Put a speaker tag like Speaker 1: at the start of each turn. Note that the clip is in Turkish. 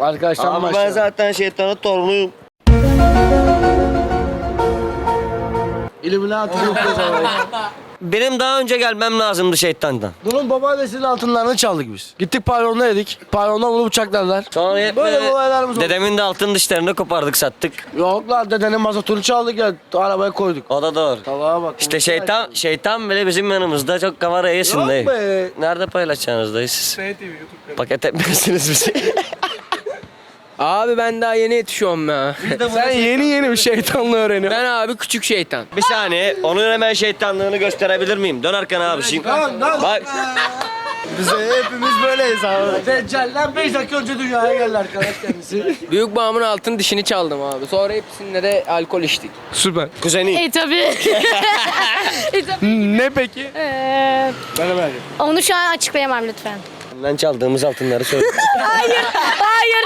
Speaker 1: Arkadaşlar
Speaker 2: Ama ben zaten şeytanın torunuyum.
Speaker 1: İlluminati yok o zaman.
Speaker 2: Benim daha önce gelmem lazımdı şeytandan.
Speaker 1: Bunun babaannesinin altınlarını çaldık biz. Gittik pavyonda yedik. Pavyonda bunu bıçakladılar.
Speaker 2: Sonra hep
Speaker 1: Böyle olaylarımız oldu.
Speaker 2: dedemin de altın dişlerini kopardık sattık.
Speaker 1: Yok lan dedenin mazotunu çaldık ya arabaya koyduk.
Speaker 2: O da doğru.
Speaker 1: Salaha bak.
Speaker 2: İşte şeytan bile bizim yanımızda çok kameraya yesin
Speaker 1: Yok
Speaker 2: dayı.
Speaker 1: be.
Speaker 2: Nerede paylaşacaksınız dayı siz? Paket etmiyorsunuz bizi.
Speaker 3: Abi ben daha yeni yetişiyorum ya.
Speaker 1: Sen yeni bir şeytanlığı öğreniyorsun.
Speaker 3: Ben abi küçük şeytan.
Speaker 2: Bir saniye onun hemen şeytanlığını gösterebilir miyim? Dön arkana abi şimdi. Bak
Speaker 1: Bize hepimiz böyleyiz abi. Deccal'den 5 dakika önce dünyaya geldi arkadaş kendisi.
Speaker 3: Büyük babamın altın dişini çaldım abi. Sonra hepsinde de alkol içtik.
Speaker 1: Süper.
Speaker 2: kuzeni.
Speaker 4: Tabii.
Speaker 1: Ne peki? Ben de
Speaker 4: Onu şu an açıklayamam lütfen.
Speaker 2: Benden çaldığımız altınları söyle.
Speaker 4: Hayır.